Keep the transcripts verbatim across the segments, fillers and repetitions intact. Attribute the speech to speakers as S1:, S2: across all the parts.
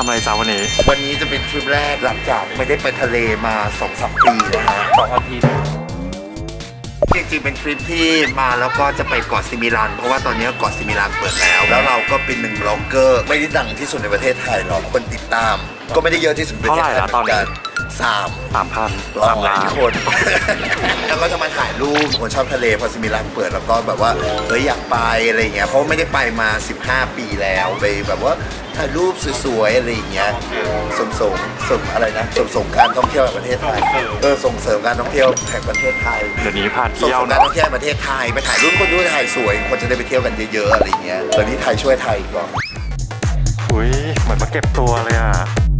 S1: ำอะไรจ้าวันนี้
S2: วันนี้จะเป็นทริปแรกหลังจากไม่ได้ไปทะเลมาสองสามปีนะฮะสองอาทิตย์จริงๆเป็นทริปที่มาแล้วก็จะไปเกาะซิมิลันเพราะว่าตอนนี้เกาะซิมิลันเปิดแล้วแล้วเราก็เป็นหนึ่งบล็อกเกอร์ไม่ได้ดังที่สุดในประเทศไทยหรอกคนติดตาม ก็ไม่ได้เยอะที่สุดในประเทศไทยเหมือนกันสาม
S1: สามพัน
S2: ร้อยคน แล้วก็จะมาถ่ายรูปคนชอบทะเลพอซิมิลันเปิดแล้วก็แบบว่าเฮ้ยอยากไปอะไรเงี้ยเพราะไม่ได้ไปมาสิบห้าปีแล้วไปแบบว่าถ่ายรูปสวยๆอะไรอย่างเงี้ยส่งส่งส่งอะไรนะส่งส่งการท่องเที่ยวแห่งประเทศไทยเออส่งเสริมการท่องเที่ยวแห่งประเทศไทย
S1: เดี๋ยวนี้พา
S2: ส่ง
S1: เที่ยว
S2: เสริมการท่องเที่ยวแห่งประเทศไทยไปถ่ายรูปคนดูถ่ายสวยคนจะได้ไปเที่ยวกันเยอะๆอะไรเงี้ยตอนนี้ไทยช่วยไทยก่อน
S1: อุ้ยเหมือนมาเก็บตัวเลยอ่ะ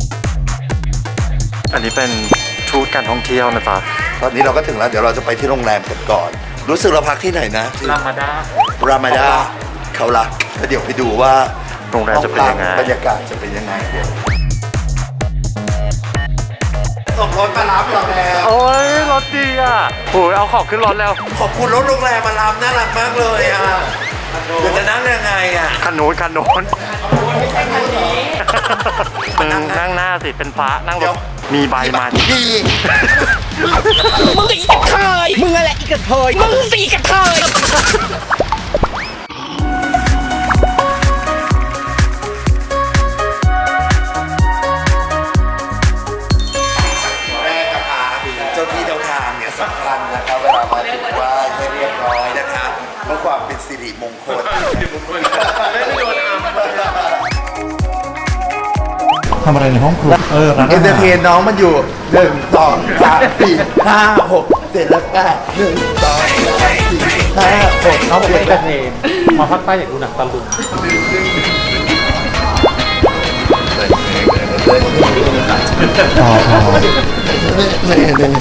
S1: อันนี้เป็นทูตการท่องเที่ยวนะจ๊ะ
S2: ตอนนี้เราก็ถึงแล้วเดี๋ยวเราจะไปที่โรงแรมกันก่อนรู้สึกเราพักที่ไหนนะ
S1: รามาดา
S2: รามาดาเขาละแล้วเดี๋ยวไปดูว่า
S1: โรงแรมจะเป็นยังไง
S2: บรรยากาศจะเป็นยังไงเดี๋ยวส่งรถมารับเราแล้ว
S1: โอ้ยรถดีอ่ะโอ้ยเอาของขึ้นรถแล้ว
S2: ขอบคุณรถโรงแรมมารับน่ารักมากเลยอ่ะเดี๋ยวจะนั่งยังไงอ่ะ
S1: คันโน้นคันโน้นไม่ใช่คันนี้มึงนั่งหน้าสิเป็นฟ้านั่งรถมีใบมา
S2: ดี
S3: มึงอีกกระเทยมึงอะไรอีกกระเทยมึงสีกระเทย
S2: แรกนะคะเจ้าที่เจ้าทางเนี่ยสำคัญนะครับเวลามาถึงว่าให้เรียบร้อยนะคะเพื่อความเป็นสิริมงคลไม่ได้โดนอัม
S4: ทำอะไรในห้องครัวเออ
S2: เอนเตอร์เทนน้องมันอยู่หนึ่งสองสามสี่ห้าหกเจ็ดแล้วแปดหนึ่งสองสามสี่ห้าหก
S4: น้องเป็นเอนเตอร์เทนมาภาคใต้อยากดูหนังตะลุง
S2: พอพอเนี่ย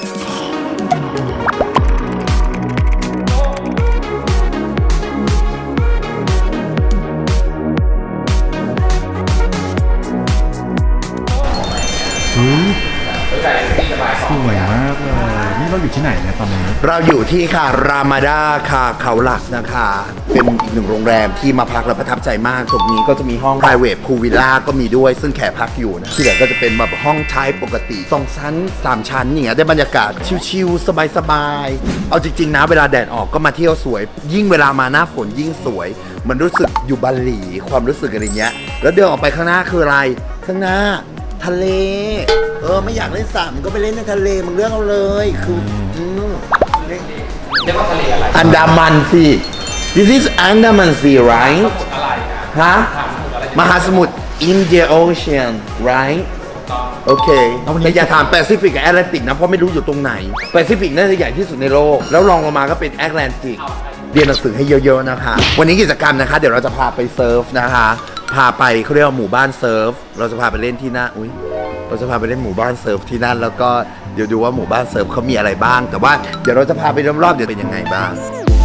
S4: สวยมากเลยนี่เราอยู่ที่ไหนเนี่ยตอนนี้
S2: เราอยู่ที่ค่ะรามาดาค่ะเขาหลักนะคะเป็นอีกหนึ่งโรงแรมที่มาพักแล้วประทับใจมากตรงนี้ก็จะมีห้อง private pool villa ก็มีด้วยซึ่งแขกพักอยู่นะที่เหลือก็จะเป็นแบบห้องใช้ปกติสองชั้นสามชั้นอย่างเงี้ยได้บรรยากาศชิลๆสบายๆเอาจริงๆนะเวลาแดดออกก็มาเที่ยวสวยยิ่งเวลามาหน้าฝนยิ่งสวยมันรู้สึกอยู่บาหลีความรู้สึกอะไรเงี้ยแล้วเดินออกไปข้างหน้าคืออะไรข้างหน้าทะเลเออไม่อยากเล่นสระมันก็ไปเล่นในทะเลมึงเลือกเอาเลยคือเรียกว่าทะเลอะไรอันดามันสิ This is Andaman Sea right ฮะมหาสมุทร India Ocean right โอเคแต่อย่าถามแปซิฟิกกับแอตแลนติกนะเพราะไม่รู้อยู่ตรงไหนแปซิฟิกน่าจะใหญ่ที่สุดในโลกแล้วรองลงมาก็เป็นแอตแลนติกเรียนหนังสือให้เยอะๆนะคะวันนี้กิจกรรมนะคะเดี๋ยวเราจะพาไปเซิร์ฟนะคะพาไปเขาเรียกว่าหมู่บ้านเซิร์ฟเราจะพาไปเล่นที่นั่นอุ้ยเราจะพาไปเล่นหมู่บ้านเซิร์ฟที่นั่นแล้วก็เดี๋ยวดูว่าหมู่บ้านเซิร์ฟเขามีอะไรบ้างแต่ว่าเดี๋ยวเราจะพาไปรอบๆเดี๋ยวเป็นยังไงบ้าง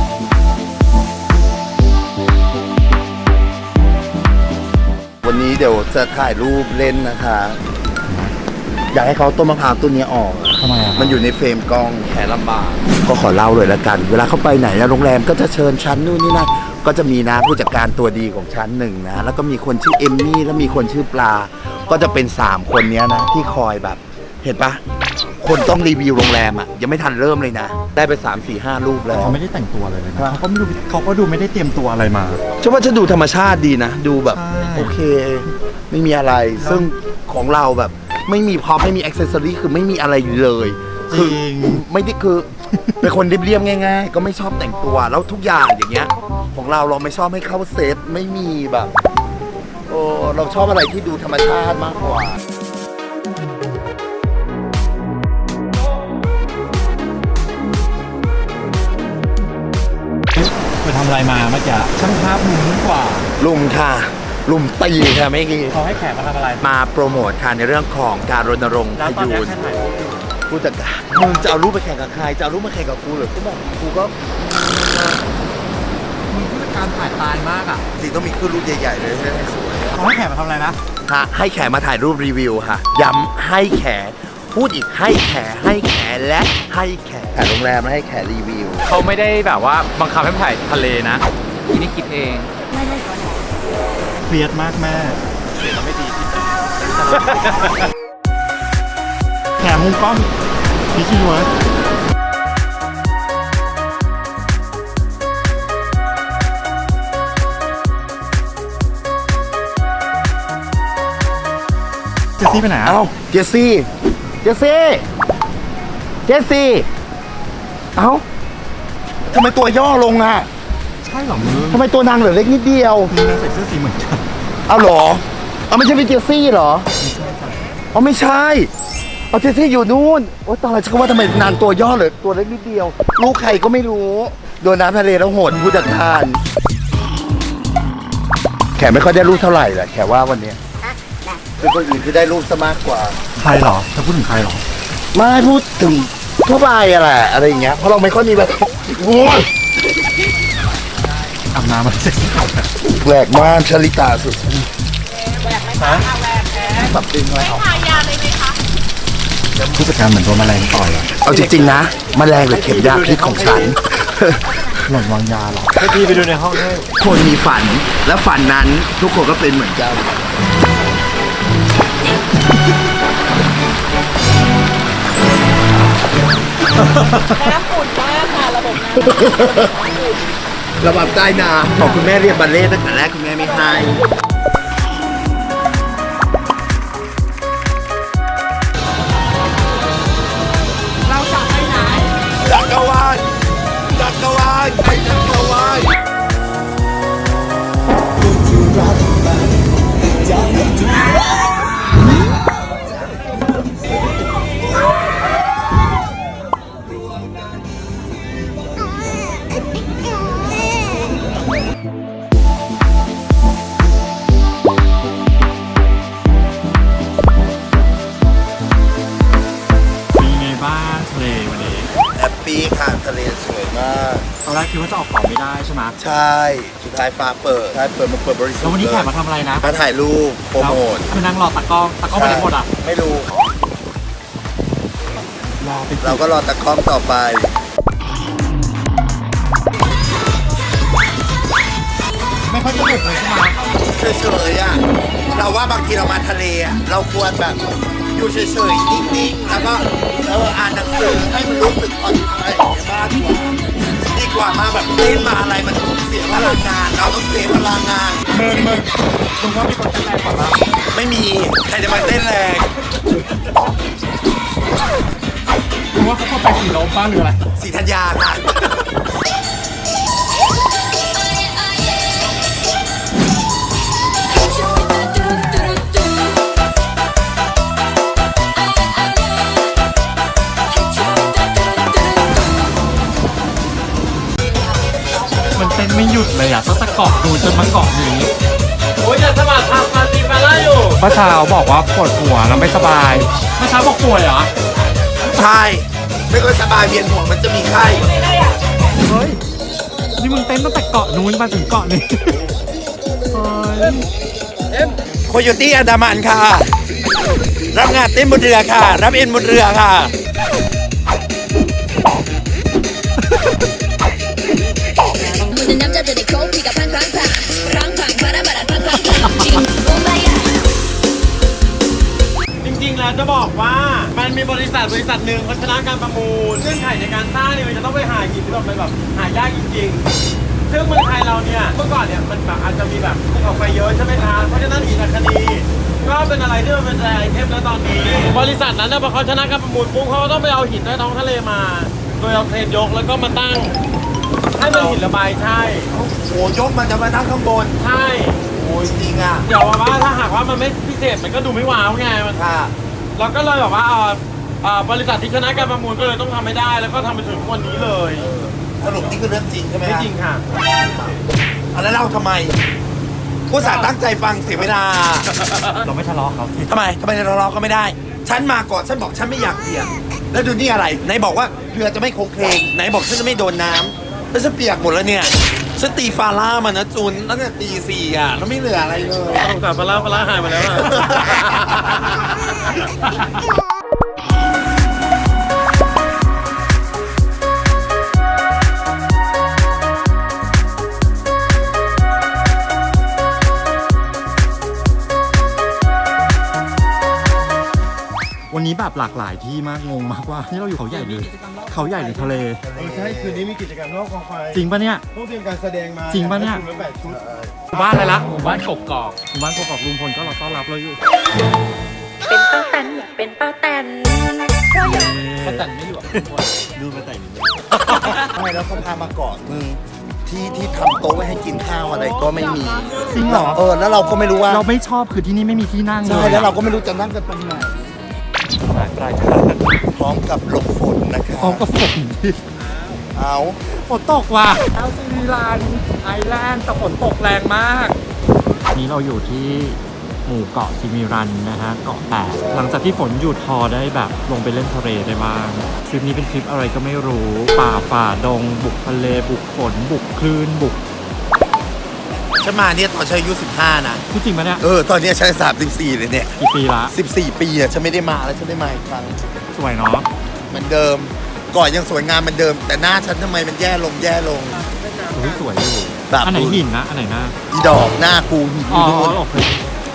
S2: วันนี้เดี๋ยวจะถ่ายรูปเล่นนะคะอยากให้เขาต้นมะพร้าวต้นนี้ออก
S4: ทำไมอ่ะ
S2: มันอยู่ในเฟรมกล้องแขนลำบากก็ขอเล่าเลยละกันเวลาเขาไปไหนนะโรงแรมก็จะเชิญชั้นนู่นนี่นั่นก็จะมีนะผู้จัดการตัวดีของชั้นหนึ่งนะแล้วก็มีคนชื่อเอมมี่แล้วมีคนชื่อปลาก็จะเป็นสามคนนี้นะที่คอยแบบเห็นปะคนต้องรีวิวโรงแรมอ่ะยังไม่ทันเริ่มเลยนะได้ไปสามสี่ห้ารูปแล้ว
S4: เขาไม่ได้แต่งตัวอะไรเลยนะเขาก็ไม่ดูเขาก็ดูไม่ได้เตรียมตัวอะไรมา
S2: ฉันว่าจะดูธรรมชาติดีนะดูแบบโอเคไม่มีอะไรซึ่งของเราแบบไม่มีพร็อพไม่มีอ็อกเซสซอรี่คือไม่มีอะไรเลยคือไม่ได้คือเป็นคนเรียบๆง่ายๆก็ไม่ชอบแต่งตัวแล้วทุกอย่างอย่างเงี้ยของเราเราไม่ชอบให้เข้าเซตไม่มีแบบโอ้เราชอบอะไรที่ดูธรรมชาติมากกว่า
S4: ไปทำอะไรมาเมื่อกี้ช่างภาพมุมนี้กว่า
S2: ลุมค่ะลุมตีค่ะไม่กี่
S4: เขาให้แขกมาทำอะไร
S2: มาโปรโมทค่ะในเรื่องของการรณรงค์พยูนผู้จัดการมึงจะเอารูปไปแข่งกับใครจะเอารูปมาแข่งกับกูหรือกูบอกกูก็
S4: มึงผู้จัดการถ่ายตายมากอ่ะ
S2: จริงต้องมีขึ้นรูปใหญ่ๆเลยให้สวย
S4: เขาให้แขกมาทำอะไรนะ
S2: ฮะให้แขกมาถ่ายรูปรีวิวค่ะย้ำให้แขกพูดอีกให้แขกให้แขกและให้แขกแต่โรงแรมให้แขกรีวิว
S1: เขาไม่ได้แบบว่าบังคับให้ถ่ายทะเลนะทีนี้คิดเอง
S4: เครียดมากแม่
S1: เสียงไม่ดี
S4: แถมมุมกล้องพี่คิดว่าเจสซี่ไปไหนอ่ะ
S2: เอ้าเจสซี่ เจสซี่ เจสซี่ เอ้าทำไมตัวย่อลงอ่ะ
S4: ใช่เหรอมึง
S2: ทำไมตัวนางเหลือเล็กนิดเดียว
S4: มึงใส่เสื้อสีเหมือนกัน
S2: เอาเหรอ เอาไม่ใช่เป็นเจสซี่เหรอเอาไม่ใช่ เอาเจสซี่อยู่นู่น โอ๊ยตายฉันก็ว่าทำไมนางตัวย่อเหลือตัวเล็กนิดเดียว ลูกใครก็ไม่รู้ โดนน้ำทะเลแล้วโหดผู้จัดการแขกไม่ค่อยได้รูปเท่าไหร่แหละแขกว่าวันเนี้ยเป็นคนอื่นที่ได้รูปซะมากกว่า
S4: ใครเหรอจะพูดถึงใครเหรอ
S2: ไม่พูดถึงทั่วไปอะแหละอะไรอย่างเงี้ยเพราะเราไม่ค่อยมีแบบโอ้ย
S4: อาบน้ำมาเสร็จ
S2: แหวกมากชลิตาสุดปรับดึงอะไรออก
S4: ผู้จัดการเหมือนโดนแมลงต่อยอ่ะ
S2: เอาจริงๆนะแมลงหรือเข็มยาพิษของฉัน
S4: หล่อนวางยาเหรอ
S1: ให้พี่ไปดูในห้องให้
S2: คนมีฝันและฝันนั้นทุกคนก็เป็นเหมือนกันน้ำอุ่นมากค่ะระบบน้ำระบบใต้น้ำของคุณแม่เรียนบัลเล่ต์ตั้งแต่แรกคุณแม่ไม่ให้เราจะไปไหนจักรวาลจักรวาลไปจักรวาล
S4: เป็นไงบ้างทะเลวันนี้
S2: แฮปปี้ค่ะทะเลสวยมาก
S4: ตอนแรกคิดว่าจะออกเป่าไม่ได้ใช่ไหม
S2: ใช่ สุดท้ายฟ้าเปิดใช่เปิดมาเปิดบริษัท
S4: แล้ววันนี้แขกมาทำอะไรนะ
S2: มาถ่ายรูปโปรโมท
S4: แล้วคือนั่งรอตากล้องตากล้องไปไหนหมดอ่ะ
S2: ไม่รู้
S4: รอไป
S2: เราก็รอตะกล้องต่อไป
S4: ไม่ค่อยสนุกเลยใช่ไหม
S2: เฉยๆอ่ะ เราว่าบางทีเรามาทะเลอ่ะ เราควรแบบอยู่เฉยๆนิ่งๆ แล้วก็เอออ่านหนังสือให้มันรู้สึกผ่อนคลายอย่างนี้มากกว่าดีกว่ามาแบบเล่นมาอะไรมันเสียพลังงาน เราต้องเสียพลังงาน
S4: มึงมึงมึงว่ามีคนเต้นแรงกว่าเรา
S2: ไม่มี ใครจะมาเต้นแรง
S4: มึงว่าเขาเข้าไปสีลมบ้างหรืออะไร
S2: สีธัญญาค่ะ
S4: มันเต้นไม่หยุดเลยอ่ะตั้งแต่เกาะดูนจนมาเกาะนี้
S1: โอ้ยจะสมัครทำมาตีมาล่าอยู่
S4: เมื่อเช้าบอกว่าปวดหัวแล้วไม่สบายเมื่อเช้าบอกป่วยเหรอ
S2: ใช่ ไม่ค่อยสบายเวียนหัวมันจะมีไข้
S4: เฮ้ย นี่มึงเต้นตั้งแต่เกาะนู้นมาถึงเกาะนี้เฮ้ย
S2: โคโยตี้อันดามันค่ะ รับงานเต้นบนเรือค่ะ รับเอ็นบนเรือค่ะ
S5: 모든 남자들이 코피가 팡팡팡 팡팡 바라바라 팡팡팡 지금 bom바야
S1: จริงๆ แล้วจะบอกว่ามันมีบริษัทบริษัทหนึ่งเขาชนะการประมูลเงื่อนไขในการสร้างเนี่ยมันจะต้องไปหาหินที่แบบเป็นแบบหายากจริงๆ ซึ่งเมืองไทยเราเนี่ยเมื่อก่อนเนี่ยมันแบบอาจจะมีแบบภูเขาไฟเยอะใช่ไหมคะเพราะฉะนั้นหินอัคนีก็เป็นอะไรที่มันเป็นไอเทมแล้วตอนนี้ บริษัทนั้นนะพอเขาชนะการประมูลปุ๊บเขาก็ต้องไปเอาหินใต้ท้องทะเลมา โดยเอาเครนยกแล้วก็มาตั้งให้มันหินระบายใช่
S2: โอ้ยกมันจะมานั่งข้างบน
S1: ใช่
S2: โอ้ยจริงอ่ะ
S1: เดี๋ยวว่าถ้าหากว่ามันไม่พิเศษมันก็ดูไม่ว้าวไงมัน
S2: ค่ะ
S1: เราก็เลยแบบว่าเอ่อเอ่อบริษัทที่ชนะการประมูลก็เลยต้องทำให้ได้ แล้วก็ทำไปถึงวันนี้เลย
S2: สรุปนี่คือเรื่องจริงใช่ไหม
S1: ไม่จริงค่ะ
S2: อ่ะแล้วเราทำไมผู้สาห์ตั้งใจฟังเสียเวลา
S4: เราไม่ทะเลาะเขาสิ
S2: ทำไมทำไมเราเราก็ไม่ได้ ฉันมาก่อนฉันบอกฉันไม่อยากเปียก แล้วดูนี่อะไร ไหนบอกว่าเรือจะไม่โค้งเคลงไหนบอกฉันจะไม่โดนน้ำแล้วฉันเปียกหมดแล้วเนี่ย ฉันตีฟาร่ามานะจูนตั้งแต่ตีสี่อ่ะแล้วไม่เหลืออะไรเลย
S1: สงสารปลาร้าปลาร้าหายมาแล้วอะ
S4: แบบหลากหลายที่มากงงมากว่านี่เราอยู่เขาใหญ่เลยเขาใหญ่หรือทะเล
S1: เออใช่คืนนี้มีกิจกรรมรอบกองไฟ
S4: จริงปะเนี่ย
S1: ต้องเตรียมการแสดงมา
S4: จริงปะเนี่ย
S1: ชุดละแปดชุด
S4: หมู่บ้านอะไรละหมู่บ้านกกอกหมู่บ้านกกอกลุงพลก็รอต้อนรับเราอยู่
S6: เป็นป้าแตนอยากเป็นป้าแตนเพราะอยาก
S4: ป้าแต่นไม่อยู่ดูมาแต่ง
S2: ไม่แล้วเขาพามาเกาะมึงที่ที่ทำโต๊ะไว้ให้กินข้าวอะไรก็ไม่มี
S4: จริงเหรอ
S2: เออแล้วเราก็ไม่รู้ว่า
S4: เราไม่ชอบคือที่นี่ไม่มีที่นั่งเล
S2: ใช่
S4: ย
S2: แล้วเราก็ไม่รู้จะนั่งกันตรงไหนพร้อมกับหลบฝนนะครับ
S4: พร้อมกับฝนที่
S2: เอา
S4: ฝนตกว่ะแอลซีมิลานไอแลนด์แต่ฝนตกแรงมากนี้เราอยู่ที่หมู่เกาะซิมิรันนะฮะเกาะแปดหลังจากที่ฝนหยุดพอได้แบบลงไปเล่นทะเลได้บ้างทริปนี้เป็นทริปอะไรก็ไม่รู้ป่าฝ่าดง บุกทะเลบุกฝนบุกคลื่นบุก
S2: ฉันมาเนี่ยตอนฉันอายุสิบห้านะ
S4: พูดจริงปะเนี่ย
S2: เออตอนเนี้ยฉันสามสิบสี่เลยเนี่ย
S4: กี่ปีละ
S2: สิบสี่ปีอ่ะฉันไม่ได้มาแล้วฉันได้มาอีกครั้ง
S4: สวยเนาะ
S2: เหมือนเดิมเก่อนยังสวยงามเหมือนเดิม แต่หน้าฉันทำไมมันแย่ลงแย่ลง
S4: อุ๊ยสวยอยู่
S2: แบบ
S4: อันไหนหินนะอันไหนหน้า
S2: อีดอกหน้ากูหิน
S4: อ๋อ
S2: นู่น
S4: โอเค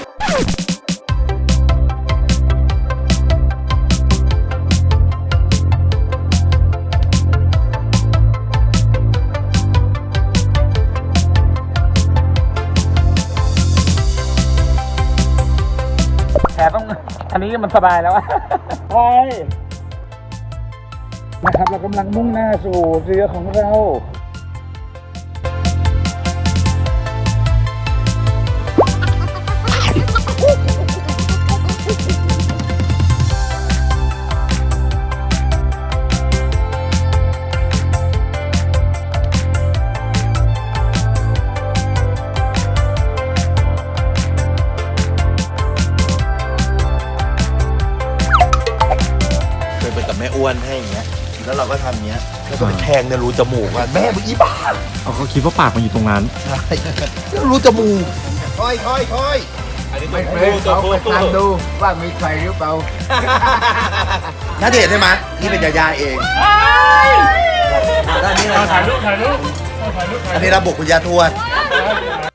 S4: แพ้ต้องอันนี้มันสบายแล้วใช่นะครับเรากำลังมุ่งหน้าสู่เรือของเรา
S2: เคยไปกับแม่อ้วนให้อย่างเงี้ยแล้วเราก็ทำอย่างเงี้ยแล้วก็ไปแทงในรูจมูกว่าแม่มึงอีบ้า
S4: เอาเขาคิดว่าปากมันอยู่ตรงนั้น
S2: ใช่แล้วรูจมูกค่อยค่อยค่อยไม่เคยเขาไปทำดูว่ามีใครหรือเปล่าน่าเดชใช่ไหมนี่เป็นยาย่าเองด้านนี้อะไรถ่ายรูปถ่ายรูปอันนี้ระบบคุณยาทวด